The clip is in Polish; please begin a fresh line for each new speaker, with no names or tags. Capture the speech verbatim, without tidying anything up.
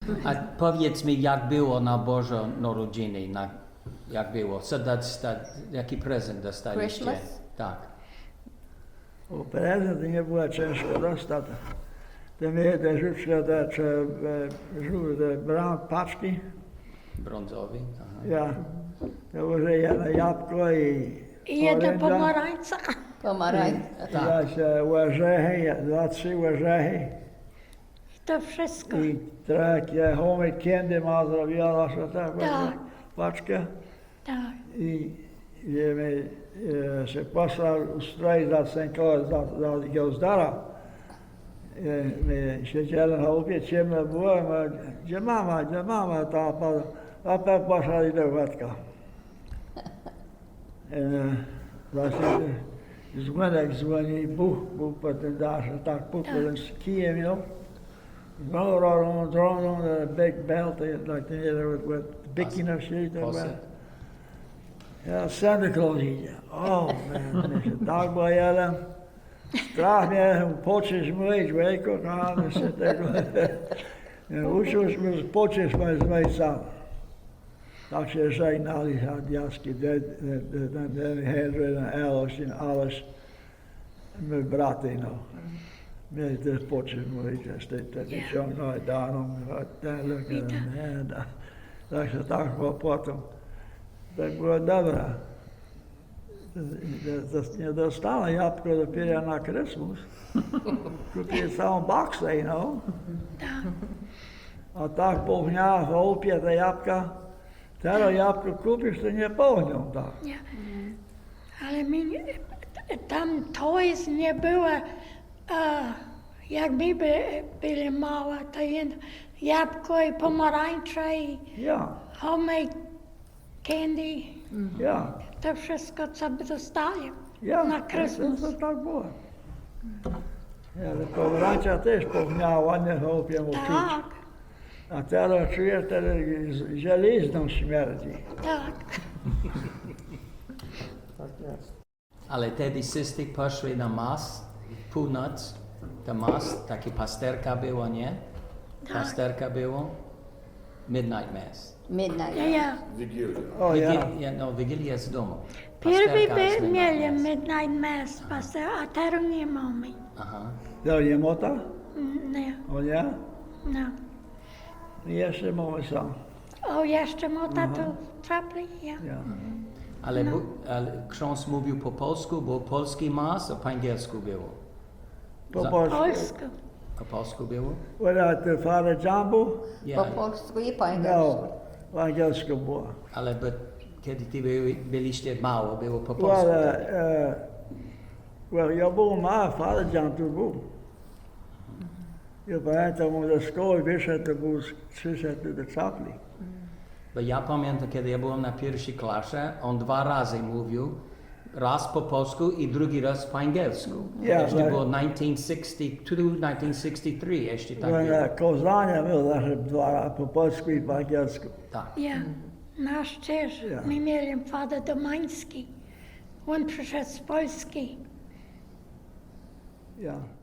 A powiedz mi, jak było na Boże Narodziny, na, jak było? Co dać, jaki prezent dostaliście?
Christmas?
Tak.
O prezent nie było ciężko dostać. Te mnie te żuczne, te, te, te bram paczki,
Brązowy? Aha.
ja, to może jedno jabłko i
I jedna
oręża.
pomarańca.
Pomarańcza.
Tak.
Ja się orzechy, dwa, trzy orzechy
I to wszystko.
i takie homemade candy ma zrobiła, że tak,
Tak.
paczkę.
Tak.
I że mi e, się poslał ustroić za Sękoła, za, za Giełzdara. E, my siedzieli na łupie, ciemno było, my, gdzie mama, gdzie mama, ta, ta, a tak poszli do Władka. E, właśnie dzwonek dzwoni, buch, buch po tym dasze, tak puknął z kijem, you know. Roll around, roll on a big belt, like the, with, with bikini sheet.
Posyp.
Ja, Santa Claus idzie. O, man, się tak boję. Strach mnie, počeš myć, wejko, kochany, się tego. Uczył się počeš myć sam. Tak się żegnali, a diaski, ten Henry, Alice, i alles. My braty, no. My też počeš myć, wtedy ciągnął daną, ten lukę, nie, tak się tak było potem. Tak było dobre. Nie dostała jabłko dopiero na Christmas. Kupię całą boksę, you know. A tak połknia w łupie te jabłka. Teraz jabłko kupisz, to nie połknią tak.
Nie. Ale mi nie, tam toys nie było, a, jak my by, byli małe, to jedno jabłko i pomarańcza i
Ja,
homemade candy.
ja,
To wszystko, co by dostali
ja.
na
To,
Christmas.
to tak było. Ja, pomarańcza też połkniała ładnie w łupie mu czuć.
Tak,
A teraz czujesz, że żelizną śmierdzi.
tak.
Ale wtedy wszyscy poszli na mas, północ, to mas, taki pasterka było, nie? Pasterka było, midnight mass.
Midnight.
Ja, ja.
O ja.
Wigil, no, Wigilia z domu.
Pierwszy
Pasterka jest
by
midnight
mieli
mass.
midnight mass, pastor, a teraz nie mamy.
Aha.
To nie mota?
Mm, Nie,
O nie?
no.
Jeszcze mamy sam.
O, jeszcze mota tu trapli, ja.
Ja.
Ale, bu, ale ksiądz mówił po polsku, bo polski mas, a po angielsku było.
Po
Za-
polsku.
Polsku.
Po polsku było?
Without the Father John był?
Po
Ja,
polsku i po angielsku.
No, po angielsku było.
ale but, kiedy ty byli, byliście mało, było po
Well,
polsku.
uh, uh, well, ja był ma, Father John tu był. Ja pamiętam, on ze szkoły wyszedł, to był, przyszedł do czapli.
Bo ja pamiętam, kiedy ja byłem na pierwszej klasie, on dwa razy mówił, raz po polsku i drugi raz po angielsku.
Ja,
jeszcze
tak.
było tysiąc dziewięćset sześćdziesiąt dwa, tysiąc dziewięćset sześćdziesiąt trzy, jeszcze tak
Byłem
było.
na Kozania, był zawsze dwa razy po polsku i po angielsku.
Tak.
Ja, nasz też.
Ja.
My mieli Father Domański. On przyszedł z Polski.
Ja.